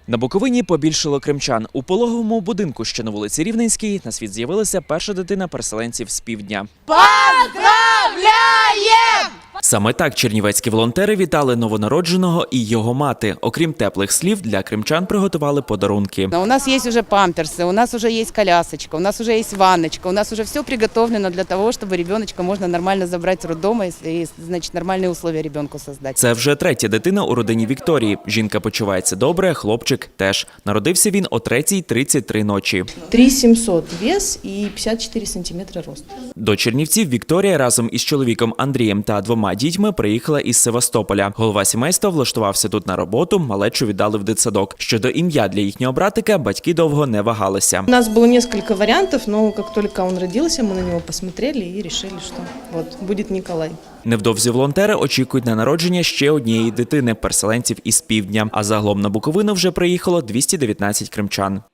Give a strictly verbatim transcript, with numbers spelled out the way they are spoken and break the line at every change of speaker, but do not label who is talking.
На Буковині побільшало кримчан. У пологовому будинку, що на вулиці Рівненській, на світ з'явилася перша дитина переселенців з півдня.
Поздравляем!
Саме так чернівецькі волонтери вітали новонародженого і його мати. Окрім теплих слів, для кримчан приготували подарунки.
У нас есть уже памперсы, у нас уже есть колясочка, у нас уже есть ванночка, у нас уже все приготовлено для того, чтобы ребеночка можно нормально забрать с роддома и, значит, нормальные условия ребенку создать.
Це вже третя дитина у родині Вікторії. Жінка почувається добре, хлопчик теж. Народився він о третій тридцять три ночі.
три сімсот вес і п'ятдесят чотири сантиметри рост.
До Чернівців Вікторія разом із чоловіком Андрієм та двома дітьми приїхала із Севастополя. Голова сімейства влаштувався тут на роботу, малечу віддали в дитсадок. Щодо ім'я для їхнього братика, батьки довго не вагалися.
У нас было несколько вариантов, но как только он родился, мы на него посмотрели и решили, что вот будет Николай.
Невдовзі волонтери очікують на народження ще однієї дитини – переселенців із півдня. А загалом на Буковину вже приїхало двісті дев'ятнадцять кримчан.